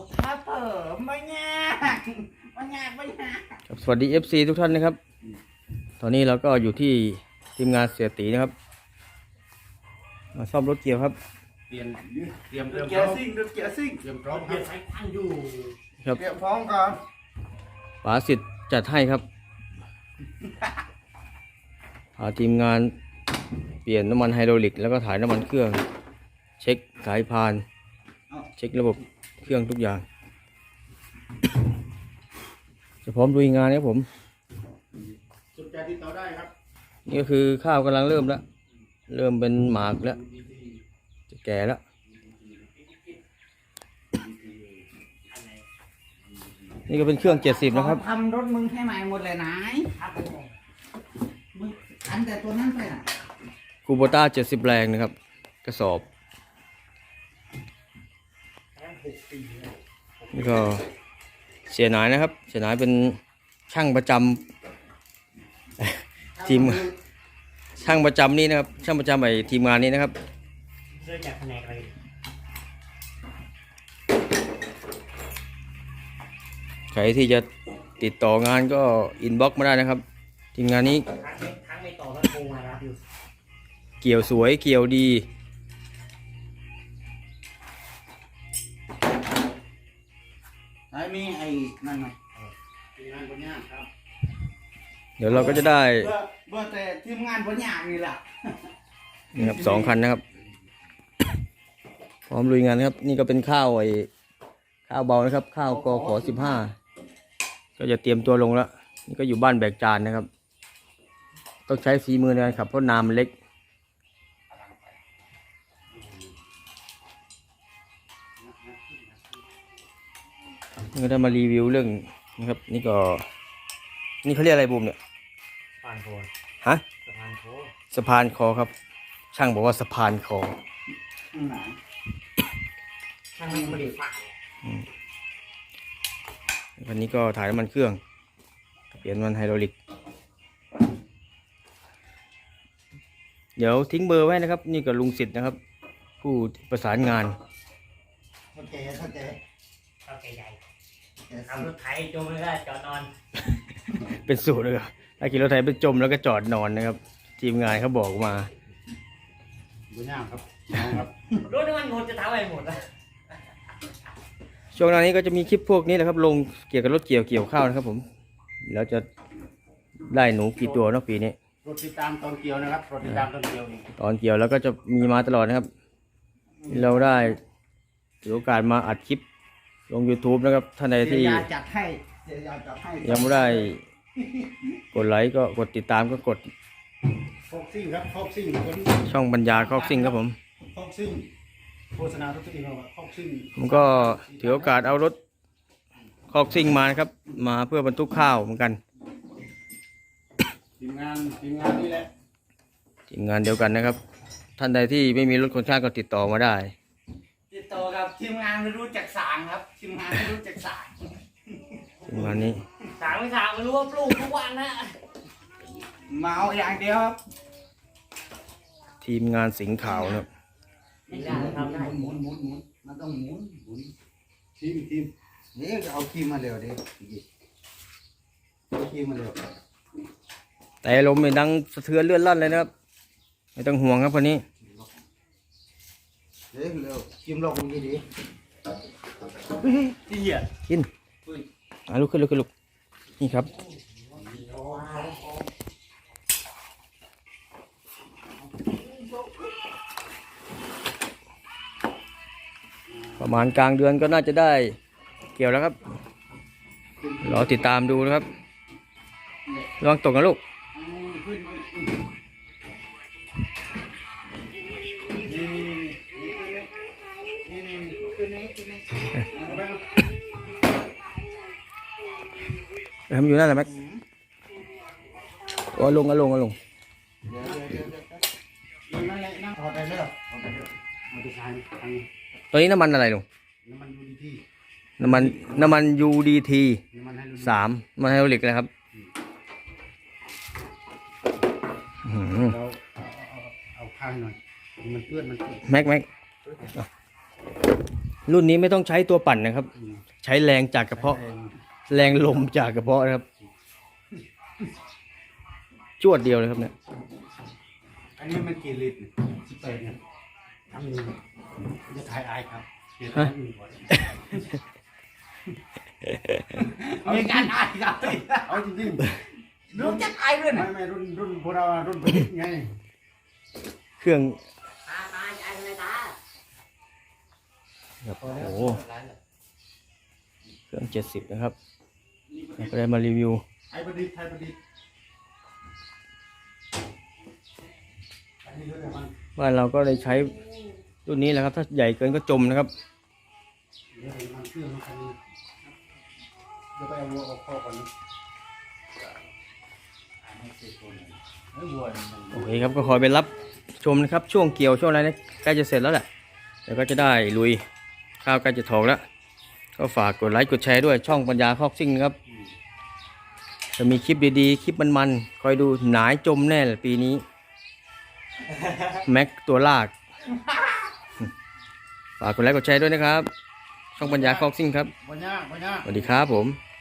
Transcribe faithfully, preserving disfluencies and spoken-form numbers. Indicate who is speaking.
Speaker 1: ถ้าเปิดไม่ยากไม่ยากไม่ยาก
Speaker 2: สวัสดี เอฟ ซี ทุกท่านนะครับตอนนี้เราก็อยู่ที่ทีมงานเสียตีนะครับมาซ่อมรถเกียวครับ
Speaker 3: เตรียมเตรียมเตรียม
Speaker 1: เกียร์ซิ่งดูเกียร์ซิ่ง
Speaker 3: เตรียมพร้อมครับ
Speaker 1: ใช้ตั้งอยู่
Speaker 2: ครับ
Speaker 1: เตรียมพร้อมก่อน
Speaker 2: ป๋าสิทธิ์จัดให้ครับพาทีมงานเปลี่ยนน้ำมันไฮดรอลิกแล้วก็ถ่ายน้ำมันเครื่องเช็คสายพานเช็คระบบเครื่องทุกอย่างจะพร้อมลุยงานครับผม
Speaker 3: สนใจติดต่อได้ครับ
Speaker 2: นี่ก็คือข้าวกำลังเริ่มแล้วเริ่มเป็นหมากแล้วจะแก่แล้วนี่ก็เป็นเครื่องเจ็ดสิบนะครับ
Speaker 1: ทำรถมึงให้ใหม่หมดเลยนายมึงอันแต่ตัวนั้นไปน่ะ
Speaker 2: คูโบต้าเจ็ดสิบแรงนะครับกระสอบนี่ก็เสียหนายนะครับเสียหนายเป็นช่างประจำทีมช่างประจำนี่นะครับช่างประจำไอทีมงานนี้นะครับ
Speaker 1: เริ่มจากแผนกอะไร
Speaker 2: ใครที่จะติดต่องานก็อินบ็อกซ์มาได้นะครับทีมงานนี้
Speaker 1: ทั้งไม่ต่อแล้วโทรมารับอยู่
Speaker 2: เกี่ยวสวยเกี่ยวดี
Speaker 1: ไอ้มีไอ้นั่นไหม
Speaker 3: ทีมงานคนนี้ครับ
Speaker 2: เดี๋ยวเราก็จะได้
Speaker 1: เบอร์เบอร์แต่ทีมงานบนอย่างนี่แหละ
Speaker 2: นี่ครับสองคันนะครับพร้อมลุยงานครับนี่ก็เป็นข้าวไอ้ข้าวเบานะครับข้าวกขอสิบห้าก็จะเตรียมตัวลงแล้วนี่ก็อยู่บ้านแบกจานนะครับต้องใช้ฝีมือในการขับเพราะน้ำมันเล็กนี่ก็ได้มารีวิวเรื่องนะครับนี่ก็นี่เขาเรียกอะไรบูมเนี่ย
Speaker 1: สะพานโค
Speaker 2: ฮะ
Speaker 1: สะพานโค
Speaker 2: สะพานคอครับช่างบอกว่าสะพานคอ
Speaker 1: ช่างไม่ได้ฝัง
Speaker 2: วันนี้ก็ถ่ายน้ำมันเครื่องเปลี่ยนมันไฮดรอลิกเดี๋ยวทิ้งเบอร์ไว้นะครับนี่ก็ลุงสิทธิ์นะครับผู้ประสานงาน
Speaker 1: โอเคโอเคโอเคใหญ่ทำรถไถจมแล้วก็จอดนอน
Speaker 2: เป็นสูตรเลยถ้าขี่รถไถไปจมแล้วก็จอดนอนนะครับทีมงานเขาบอกมา
Speaker 3: ดูหน้าครับครับ
Speaker 1: รถน้ำมันหมดจะทำอะไรหมดอ่ะ
Speaker 2: ช่วงหน้านี้ก็จะมีคลิปพวกนี้แหละครับลงเกี่ยวกับรถเกี่ยวเกี่ยวข้าวนะครับผมแล้วจะได้หนูกี่ตัวเนาะปีนี้
Speaker 3: รถติดตามตอนเกี่ยวนะครับรถติดตามตอนเกี่ยว
Speaker 2: ตอนเกี่ยวแล้วก็จะมีมาตลอดนะครับเราได้ถือโอกาสมาอัดคลิปลง YouTube นะครับท่านใดที่ยังไม่ได้กดไลค์ก็กดติดตามก็กด
Speaker 3: คอกซิ่งครับคอกซิ่ง
Speaker 2: ช่องปัญญาคอกซิ่งครับผม
Speaker 3: คอกซิ่งโฆษณาทุกทีเราคอกซิ่ง
Speaker 2: ผมก็ถือโอกาสเอารถคอกซิ่งมานะครับมาเพื่อบรรทุกข้าวเหมือนกัน
Speaker 3: ทีมงานทีมงานนี่แหละ
Speaker 2: ทีมงานเดียวกันนะครับท่านใดที่ไม่มีรถคนข้างก็ติดต่อมาได้
Speaker 1: ติดต่อกับทีมงานไม่รู้จักสางครับทีมงานไม่รู้จักสาง
Speaker 2: ทีมงานนี้
Speaker 1: สางไม่สางไม่รู้ว่าปลูกทุกวันนะเมาอย่างเดียวครับ
Speaker 2: ทีมงานสิงห์ขาวนะครับ
Speaker 1: ไม่ได้ทำได้หมุนหมุนหมุนมันต้องหมุนหมุน
Speaker 3: ทีมทีม
Speaker 1: นี่เอาคีมมาเร็วดิเอาคีมมาเร็ว
Speaker 2: แต่ลมมันดังสะเทือนเลื่อนลั่นเลยนะครับไม่ต้องห่วงครับคนนี้
Speaker 1: เร็วเร็วคีมลงดีดีที่เหยียด
Speaker 2: กินอ่ะลุกขึ้นลุกขึ้นลุกนี่ครับประมาณกลางเดือนก็น่าจะได้เกี่ยวแล้วครับรอติดตามดูนะครับระวังตกนะลูกทำอยู่นั่นแหละแม็กโอ้ลงก็ลงก็ลงตัวนี้น้ำมันอะไรลุงน้ำมันน้ำมัน ยู ดี ที สามมันไฮดรอลิกนะครับ
Speaker 3: เอาข้างหน่อยมันเปื้อนมัน
Speaker 2: แม็กแม็กรุ่นนี้ไม่ต้องใช้ตัวปั่นนะครับ
Speaker 3: อืม
Speaker 2: ใช้แรงจากกระเพาะ แรงลมจากกระเพาะนะครับ จวดเดียวเลยครับเนี่ย
Speaker 3: อันนี้มันกี่ลิตรสิบแปดเนี่ยทั้งนี้จะถ่ายอายครับเดี๋ยว
Speaker 2: ฮะ
Speaker 3: ทำอื่นก่อน
Speaker 1: มีการอายครับ
Speaker 3: เอาจริง
Speaker 1: รู้จักอายด้วย
Speaker 3: ๆไม่
Speaker 1: นะ
Speaker 3: ไม่รุ่นรุ่นพวกเราอะรุ่นผลิตไง
Speaker 2: เครื่อง
Speaker 1: ตาตาอายอะไรตา
Speaker 2: ครับโอ้โหเครื่องเจ็ดสิบนะครับเราก็ได้มารีวิว
Speaker 3: ไทยประดิษฐ์ไทยประดิษฐ์อันนี้รุ่นอะไรมัน
Speaker 2: บ้านเราก็เลยใช้รุ่นนี้แหละครับ ถ้าใหญ่เกินก็จมนะครับ
Speaker 3: เดี๋ยวมันเครื่องมันคันนี้เดี๋ยวไปเอาวัวออกคอกก่อนนะไอ้วัวนี่มัน
Speaker 2: โอเคครับก็คอยไปรับชมนะครับ ช่วงเกี่ยวช่วงอะไรนะใกล้จะเสร็จแล้วแหละเดี๋ยวก็จะได้ลุยข้าวใกล้จะถอกแล้ว ก็ฝากกดไลค์กดแชร์ด้วยช่องปัญญาคอกซิ่งนะครับจะมีคลิปดีๆ คลิปมันๆคอยดูหนายจมแน่เลยปีนี้ แม็กตัวลาก ฝากกดไลค์กดแชร์ด้วยนะครับ ช่องปัญญาคอกซิ่งครับ
Speaker 3: บ่ยากบ่ยาก
Speaker 2: สวัสดีครับผม